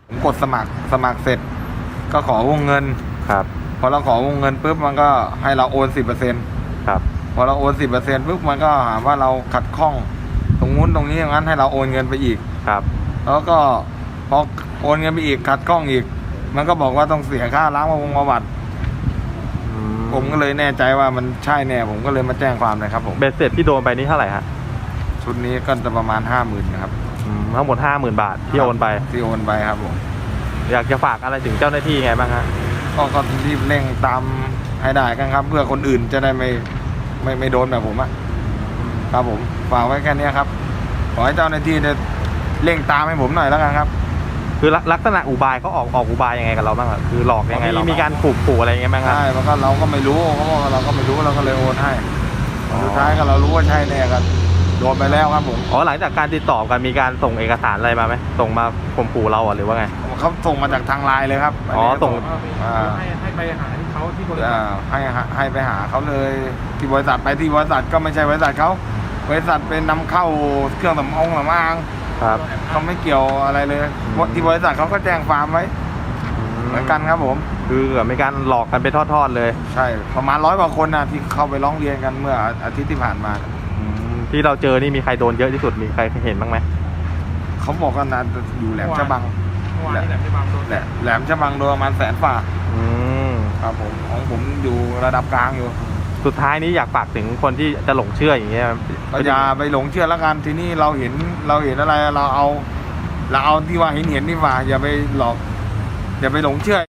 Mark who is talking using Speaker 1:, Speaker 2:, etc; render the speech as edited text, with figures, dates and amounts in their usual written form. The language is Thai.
Speaker 1: ผมกดสมัครเสร็จก็ขอวงเงิน
Speaker 2: ครับ
Speaker 1: พอเราขอวงเงินปุ๊บมันก็ให้เราโอน 10%
Speaker 2: ครับ
Speaker 1: พอเราโอน 10%ปุ๊บมันก็หาว่าเราขัดข้องตรงนู้นตรงนี้อย่างนั้นให้เราโอนเงินไปอีก
Speaker 2: ครับ
Speaker 1: แล้วก็พอโอนเงินไปอีกขัดข้องอีกมันก็บอกว่าต้องเสียค่าล้างประวัติผมก็เลยแน่ใจว่ามันใช่แน่ผมก็เลยมาแจ้งความเลยครับผม
Speaker 2: เบ็ดเสร็จที่โดนไปนี่เท่าไหร่ฮะ
Speaker 1: ชุดนี้ก็จะประมาณ 50,000นะครับ
Speaker 2: ทั้งหมด 50,000 บาทที่โอนไป
Speaker 1: ครับผม
Speaker 2: อยากจะฝากอะไรถึงเจ้าหน้าที่ไงบ้างฮะ
Speaker 1: ก็รีบเร่งตามให้ได้กันครับเพื่อคนอื่นจะได้ไม่โดนแบบผมอะครับผมฝากไว้แค่นี้ครับขอให้เจ้าหน้าที่ได้เร่งตามให้ผมหน่อยแล้วกันครับ
Speaker 2: คือลักษณะอุบายเขาออกอุบายยังไงกับเราบ้างคือหลอกยังไงมีการขู่อะไรยังไงบ้างครับ
Speaker 1: ใช่เพราะก็เราก็ไม่รู้เขาบอกเราก็ไม่รู้เราก็เลยโอนให้สุดท้ายก็เรารู้ว่าใช่แน่กันโดนไปแล้วครับผม
Speaker 2: หลังจากการติดต่อกันมีการส่งเอกสารอะไรมาไหมส่งมาข่มขู่เราหรือว่าไง
Speaker 1: เขาส่งมาจากทางไลน์เลยครับ
Speaker 2: ส่ง
Speaker 3: ให้ไปหาที่เขาที่บริษัท
Speaker 1: ให้ไปหาเขาเลยที่บริษัทไปที่บริษัทก็ไม่ใช่บริษัทเขาบริษัทเป็นนำเข้าเครื่องสำอาง
Speaker 2: ครับ
Speaker 1: เขาไม่เกี่ยวอะไรเลยที่บริษัทเขาก็แจ้งความไว้เหมือนกันครับผม
Speaker 2: คือมีการหลอกกันไปทอดๆเลย
Speaker 1: ใช่ประมาณ100 กว่าคนนะที่เข้าไปร้องเรียนกันเมื่ออาทิตย์ที่ผ่านมา
Speaker 2: ที่เราเจอนี่มีใครโดนเยอะที่สุดมีใครเห็นบ้างไหม
Speaker 1: เขาบอกกันนะอยู่แหลมฉบัง
Speaker 3: แหลมฉบังโดน
Speaker 1: แหลมฉบังโดนประมาณ100,000 ฝ่าครับผมของผมอยู่ระดับกลางอยู่
Speaker 2: สุดท้ายนี้อยากฝากถึงคนที่จะหลงเชื่ออย่างเงี้ย
Speaker 1: ก็อย่าไปหลงเชื่อแล้วกันทีนี้เราเห็นอะไรเราเอาที่ว่าเห็นดีกว่าอย่าไปหลอกอย่าไปหลงเชื่อ